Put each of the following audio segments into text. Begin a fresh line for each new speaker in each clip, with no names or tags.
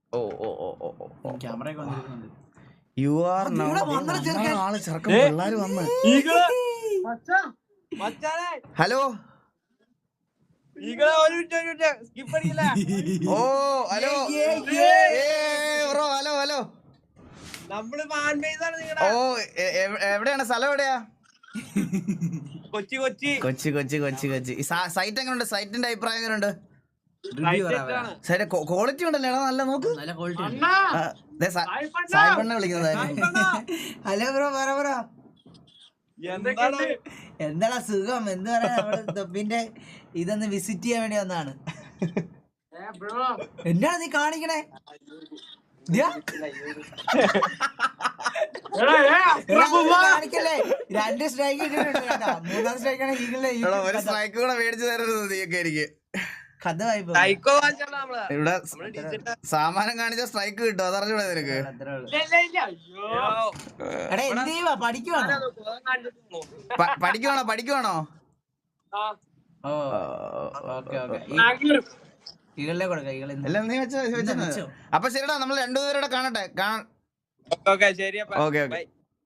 ഓ ഓ ഓ ഓ ഓ
camera ഒക്കെ വന്നിരിക്കുന്നുണ്ട്.
You are ആള് ചെറുക്കം പിള്ളേര് വന്ന്. Hello oh hello bro hello hello. ഓ എവിടെയാണ് സ്ഥലം? എവിടെയാ? കൊച്ചി കൊച്ചി കൊച്ചി കൊച്ചി കൊച്ചി. സൈറ്റ് എങ്ങനെയുണ്ട്? സൈറ്റിന്റെ അഭിപ്രായം എങ്ങനെയുണ്ട്? സൈറ്റ് ക്വാളിറ്റി ഉണ്ടല്ലേ? നല്ല നോക്ക്.
നല്ല ക്വാളിറ്റി ഉണ്ട്.
സായിപ്പണ്ണ വിളിക്കുന്നത്.
ഹലോ ബ്രോ, പറ ബ്രോ. എന്താടാ സുഖം? എന്ത് പറയാ, നമ്മുടെ തൊപ്പിന്റെ ഇതൊന്ന് വിസിറ്റ് ചെയ്യാൻ വേണ്ടി വന്നതാണ്. എന്താണ് നീ കാണിക്കണേ? കാണിക്കല്ലേ? 2 സ്ട്രൈക്ക് ഇട്ടിട്ടുണ്ട് കേട്ടോ. 3ാം സ്ട്രൈക്കാണ് ഈഗിളിന്റെ.
ഒരു സ്ട്രൈക്ക് കൂടെ മേടിച്ചു തരുന്നത് നീയൊക്കെ എനിക്ക്.
കഥ വായ്പ
ഇവിടെ സാമാനം കാണിച്ച സ്ട്രൈക്ക് കിട്ടും, അതറിഞ്ഞൂടെ നിനക്ക്? പഠിക്കുവാണോ? പഠിക്കുവാണോ? എല്ലാം നീ വെച്ചോ. അപ്പൊ ശരിടാ, നമ്മൾ 2 പേരോടെ കാണട്ടെ. Okay okay.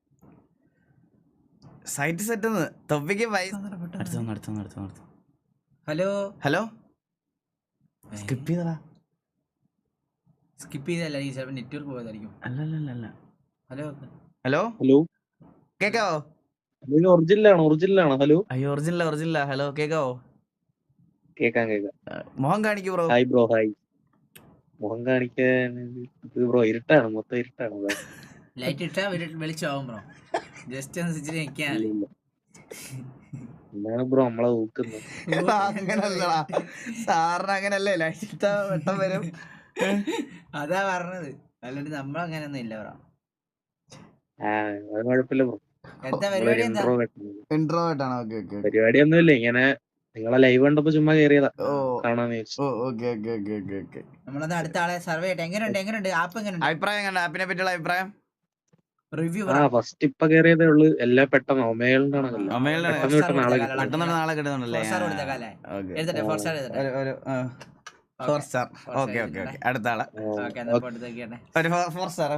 സൈറ്റ് സെറ്റ് തൊപ്പിക്ക് അടുത്തു.
Hello
hello. സ്കിപ്പ് ചെയ്തടാ.
സ്കിപ്പ് ചെയ്തല്ല, ഈ ചിലപ്പോൾ നെറ്റ്വർക്ക് പോയതായിരിക്കും.
അല്ലല്ല.
ഹലോ
ഹലോ
ഹലോ,
കേക്കാവോ?
ഒറിജിനലാണോ? ഹലോ,
അയ്യോ ഒറിജിനലാ. ഹലോ കേക്കാവോ?
കേക്കാം.
മുഖം കാണിക്കൂ ബ്രോ.
Hi bro, hi. മുഖം കാണിക്കാൻ ബ്രോ ഇരുട്ടാണ്, മൊത്തം ഇരുട്ടാണ്.
ലൈറ്റ് ഇട്ടാ വെളിച്ചാവും ബ്രോ. ജസ്റ്റ് ഒന്ന് സ്വിച്ചിൽ നിൽക്കാൻ.
എന്താണ് ബ്രോ നമ്മളെ ഊക്കുന്നത്?
അങ്ങനല്ലടാ, സാറിന് അങ്ങനല്ലേ? ലൈറ്റ് വെട്ടം വരും.
അതാ പറഞ്ഞത്, അല്ലാണ്ട് നമ്മളങ്ങനൊന്നും ഇല്ല ബ്രോ.
അത് കുഴപ്പമില്ല ബ്രോ.
എന്താ പരിപാടി?
ഇൻട്രോവേർട്ട് ആണ്.
പരിപാടിയൊന്നുമില്ല, ഇങ്ങനെ നിങ്ങളെ ലൈവ് കണ്ടപ്പോ ചുമ്മാ കേറിയതാ, കാണാന്ന് വെച്ചു.
നമ്മളൊന്ന് അടുത്ത ആളെ സർവേ ചെയ്യട്ടെ. എങ്ങനെയുണ്ട് ആപ്പ്? എങ്ങനെയുണ്ട്?
അഭിപ്രായം? ആപ്പിനെ പറ്റിയുള്ള അഭിപ്രായം
റിവ്യൂ.
ഫസ്റ്റ് ഇപ്പൊ കേറിയതേ ഉള്ളു. എല്ലാം പെട്ടെന്ന് ഒമേളിനാണല്ലോ.
പെട്ടെന്ന് നാളെ കിട്ടുന്നുണ്ടല്ലേ?
4 സ്റ്റാർ എഴുതട്ടെ.
ഒരു 4 സ്റ്റാർ. ഓക്കെ. അടുത്ത ആളെ ഒരു 4 സ്റ്റാർ.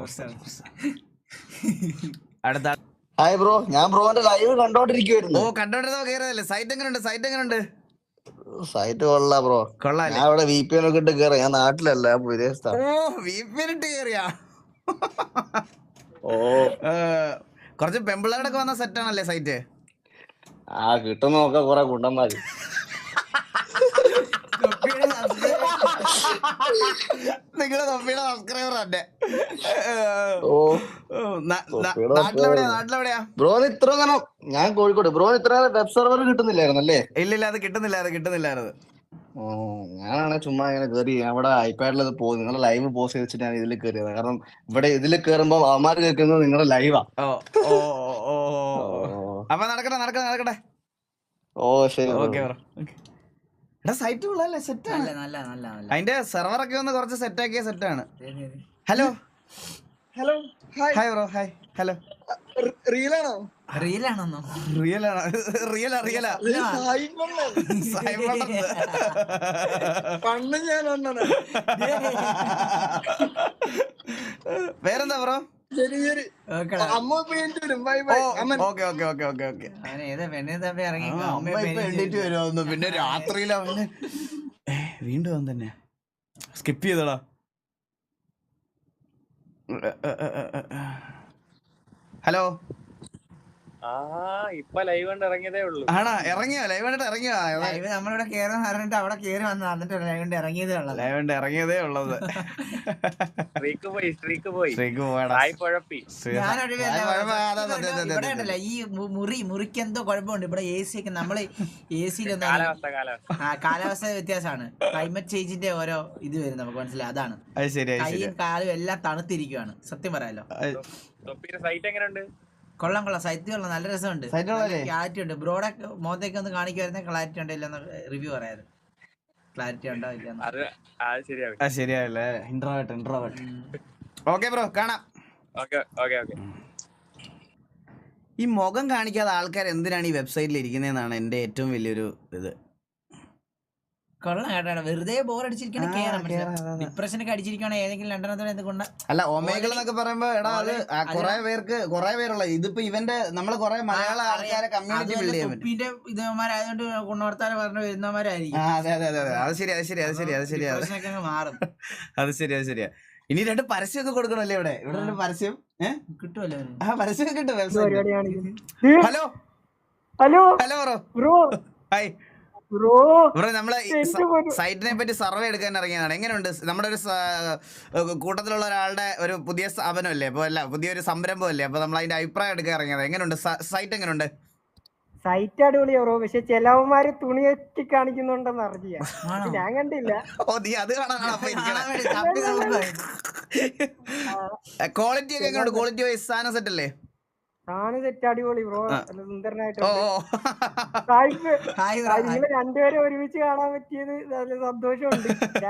അടുത്ത.
ഹായ് ബ്രോ, ഞാൻ ബ്രോന്റെ ലൈവ് കണ്ടോണ്ടിരിക്കുവായിരുന്നു.
കണ്ടോണ്ടിരുന്നോ? കേറിയതല്ലേ? സൈറ്റ് എങ്ങനെയുണ്ട്?
സൈറ്റ് കൊള്ളാ ബ്രോ.
കൊള്ളാല്ലേ?
ഞാൻ ഇവിടെ VPN ഒക്കെ ഇട്ട് കേറി. ഞാൻ നാട്ടിലല്ല, വിദേശത്താണ്.
VPN ഇട്ട് കേറിയാ? കുറച്ച് പെമ്പിള്ളേരൊക്കെ വന്ന സെറ്റ് ആണല്ലേ സൈറ്റ്?
കിട്ടുന്നൊക്കെ കുറെ കുണ്ടന്മാര്.
നിങ്ങളെ തൊപ്പിയുടെ സബ്സ്ക്രൈബർ തന്നെ. നാട്ടിലെവിടെയാ?
ബ്രോന് ഇത്ര നേരം ഞാൻ കോഴിക്കോട്. ബ്രോന് ഇത്ര നേരം വെബ് സെർവർ കിട്ടുന്നില്ലായിരുന്നല്ലേ?
ഇല്ല, അത് കിട്ടുന്നില്ലായിരുന്നു.
ഞാനാണ് ചുമ്മാ ഇങ്ങനെ കയറി. അവിടെ ഐപാഡിൽ അത് പോകും. നിങ്ങളുടെ ലൈവ് പോസ്റ്റ് വെച്ചിട്ട് ഞാൻ ഇതിൽ കയറിയത്. കാരണം ഇവിടെ ഇതിൽ കയറുമ്പോ അവന്മാര് കേൾക്കുന്നത് നിങ്ങളുടെ ലൈവാ.
അപ്പൊ നടക്കട്ടെ.
ശരി.
ഓക്കെ. സൈറ്റ് കൊള്ളാല്ലേ? സെറ്റ് ആണ്. അതിന്റെ സെർവർ ഒക്കെ ഒന്ന് കുറച്ച് സെറ്റ് ആക്കിയ സെറ്റാണ്. Hello hi bro. Hi. Hello.
റീലാണോ?
റിയലാണോ?
വേറെന്താ ബ്രോ? പിന്നെ രാത്രിയിലാ വീണ്ടും അവൻ തന്നെ സ്കിപ്പ് ചെയ്തടാ. ഹലോ.
ഇപ്പൊ ലൈവ് കണ്ട് ഇറങ്ങിയതേ ഉള്ളൂ.
ആണോ? ഇറങ്ങിയോ? ലൈവ് കണ്ടിട്ട് ഇറങ്ങിയോ?
നമ്മളിവിടെ കേറാന്ന് പറഞ്ഞിട്ട് അവിടെ കേറി വന്നു. എന്നിട്ട് ലൈവ് കണ്ട്
ഇറങ്ങിയതേ ഉള്ളത്.
സ്ട്രീക്ക് പോയി.
ഇവിടെ ഈ മുറിക്ക് എന്തോ കുഴപ്പമുണ്ട്. ഇവിടെ AC ഒക്കെ നമ്മള് AC-ലൊന്നും കാലാവസ്ഥ വ്യത്യാസമാണ്. ക്ലൈമറ്റ് ചേഞ്ചിന്റെ ഓരോ ഇത് വരും, നമുക്ക് മനസ്സിലായി. അതാണ് കൈയും കാലും എല്ലാം തണുത്തിരിക്കുവാണ്. സത്യം പറയാലോ. കൊള്ളാം. സൈറ്റ് കൊള്ളാം. നല്ല രസമുണ്ട്. ക്ലാരിറ്റി ഉണ്ട്. ബ്രോയുടെ മുഖത്തേക്ക് ഒന്ന് കാണിക്കുവായിരുന്നെ ക്ലാരിറ്റി ഉണ്ടോ ഇല്ലെന്ന് റിവ്യൂ പറയാറ്. ക്ലാരിറ്റി ഉണ്ടോ ഇല്ലെന്ന്
ശരിയാവില്ലേ? ഇൻട്രോവേർട്ട്. ഓക്കെ ബ്രോ, കാണാം. ഈ മുഖം കാണിക്കാതെ ആൾക്കാർ എന്തിനാണ് ഈ വെബ്സൈറ്റിൽ ഇരിക്കുന്നതെന്നാണ് എൻ്റെ ഏറ്റവും വലിയൊരു ഇത്.
കൊള്ളാം കേട്ടോ, വെറുതെ ബോർ അടിച്ചിരിക്കണ കേറാം. ഡിപ്രഷനൊക്കെ അടിച്ചിരിക്കണ ഏതെങ്കിലും രണ്ടെണ്ണത്തോടെ എന്തുകൊണ്ട്
അല്ല ഒമേഗിൾ എന്നൊക്കെ പറയുമ്പോ എടാ അത് കുറെ പേരുള്ള ഇതിപ്പോ ഇവന്റെ നമ്മള് കുറെ മലയാള ആൾക്കാരെ കമ്മ്യൂണിറ്റി ബിൽഡ് ചെയ്യാൻ പറ്റും.
കുപ്പിന്റെ ഇതേമാരായതുകൊണ്ട് ഗുണവർത്താനം പറഞ്ഞു വരുന്നവരായിരിക്കും.
അതെ അത് ശരിയാ
മാറും.
അത് ശരിയാ. ഇനി 2 പരസ്യമൊക്കെ കൊടുക്കണല്ലേ ഇവിടെ 2 പരസ്യം
കിട്ടുമല്ലോ.
പരസ്യം കിട്ടും. ഹലോ ബ്രോ ഹായ് ബ്രോ, നമ്മളെ സൈറ്റിനെ പറ്റി സർവേ എടുക്കാൻ ഇറങ്ങിയതാണ്. എങ്ങനെയുണ്ട്? നമ്മുടെ ഒരു കൂട്ടത്തിലുള്ള ഒരാളുടെ ഒരു പുതിയ സ്ഥാപനമല്ലേ, അപ്പൊ അല്ല പുതിയൊരു സംരംഭമല്ലേ, അപ്പൊ നമ്മൾ അതിന്റെ അഭിപ്രായം എടുക്കാൻ ഇറങ്ങിയത്. എങ്ങനെയുണ്ട് സൈറ്റ്? എങ്ങനെയുണ്ട്?
സൈറ്റ് അടിപൊളിയാ ബ്രോ, പക്ഷെ ചിലവന്മാര് തുണിയൊക്കെ കാണിക്കുന്നുണ്ടെന്ന് അറിയാ, ഞാൻ കണ്ടില്ല.
ഓ നീ അത് കാണാനാണ് ക്വാളിറ്റി ഒക്കെ എങ്ങനെയുണ്ട്? ക്വാളിറ്റി വൈസ് സാധനം സെറ്റ് അല്ലേ?
സാധനം സെറ്റ് അടിപൊളി ബ്രോ, സുന്ദരനായിട്ട്.
ഓ
നിങ്ങള് രണ്ടുപേരും ഒരുമിച്ച് കാണാൻ പറ്റിയത് നല്ല സന്തോഷമുണ്ട്.